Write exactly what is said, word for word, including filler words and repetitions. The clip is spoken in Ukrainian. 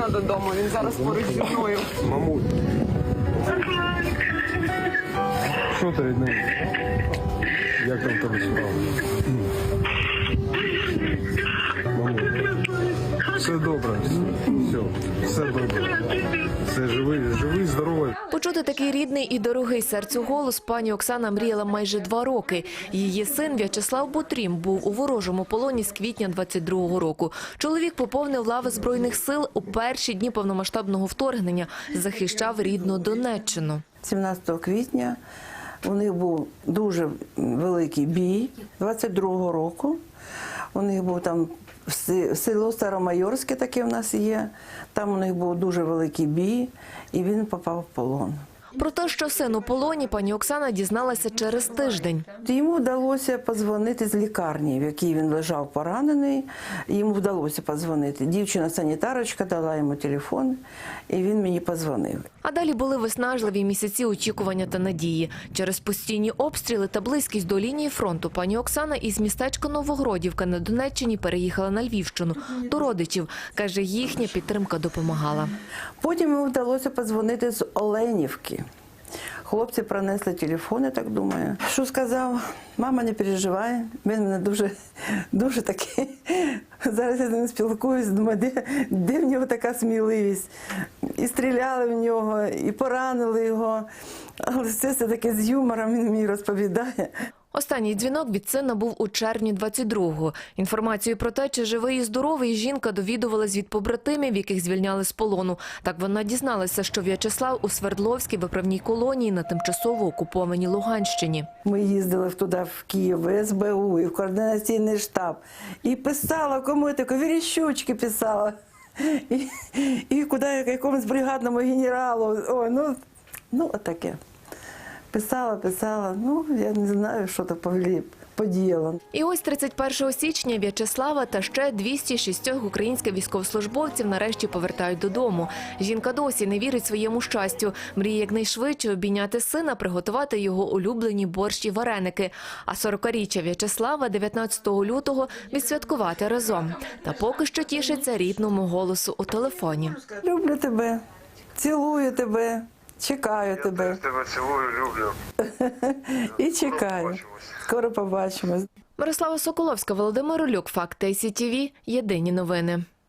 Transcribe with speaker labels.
Speaker 1: сина додому, він зараз поруч зі мною.
Speaker 2: Мамуль. Що ти від неї? Як там тебе справа? Мамуль. Все добре. Все, все добре. Все живий, живий, здоровий.
Speaker 3: Почути такий рідний і дорогий серцю голос пані Оксана мріяла майже два роки. Її син В'ячеслав Бутрім був у ворожому полоні з квітня двадцять другого року. Чоловік поповнив лави Збройних сил у перші дні повномасштабного вторгнення, захищав рідну Донеччину.
Speaker 4: сімнадцятого квітня у них був дуже великий бій двадцять другого року. У них був там село Старомайорське, таке в нас є. Там у них був дуже великий бій, і він попав в полон.
Speaker 3: Про те, що син у полоні, пані Оксана дізналася через тиждень.
Speaker 4: Йому вдалося подзвонити з лікарні, в якій він лежав поранений. Йому вдалося подзвонити. Дівчина-санітарочка дала йому телефон, і він мені подзвонив.
Speaker 3: А далі були виснажливі місяці очікування та надії. Через постійні обстріли та близькість до лінії фронту пані Оксана із містечка Новогродівка на Донеччині переїхала на Львівщину до родичів. Каже, їхня підтримка допомагала.
Speaker 4: Потім йому вдалося подзвонити з Оленівки. Хлопці принесли телефон, я так думаю. Що сказав? Мама, не переживай. Він мене дуже, дуже такий. Зараз я з ним спілкуюсь, думаю, де, де в нього така сміливість. І стріляли в нього, і поранили його. Але все це таке з юмором він мені розповідає.
Speaker 3: Останній дзвінок від сина був у червні двадцять другого. Інформацію про те, чи живий і здоровий, жінка довідувалась від побратимів, яких звільняли з полону. Так вона дізналася, що В'ячеслав у Свердловській виправній колонії на тимчасово окупованій Луганщині.
Speaker 4: Ми їздили туди, в Київ, в ес бе у, і в координаційний штаб. І писала кому таке, Верещучки писала. І, і куди, якомусь бригадному генералу. Ой, ну, ну, отаке. Писала, писала, ну, я не знаю, що то подіяло.
Speaker 3: І ось тридцять першого січня В'ячеслава та ще двісті шість українських військовослужбовців нарешті повертають додому. Жінка досі не вірить своєму щастю. Мріє якнайшвидше обійняти сина, приготувати його улюблені борщ і вареники. А сорокаріччя В'ячеслава дев'ятнадцятого лютого відсвяткувати разом. Та поки що тішиться рідному голосу у телефоні.
Speaker 4: Люблю тебе, цілую тебе. Чекаю
Speaker 2: Я
Speaker 4: тебе.
Speaker 2: теж тебе цілую, люблю.
Speaker 4: І чекаю. Скоро побачимось.
Speaker 3: Мирослава Соколовська, Володимир Олюк, Факти ай сі ті ві, єдині новини.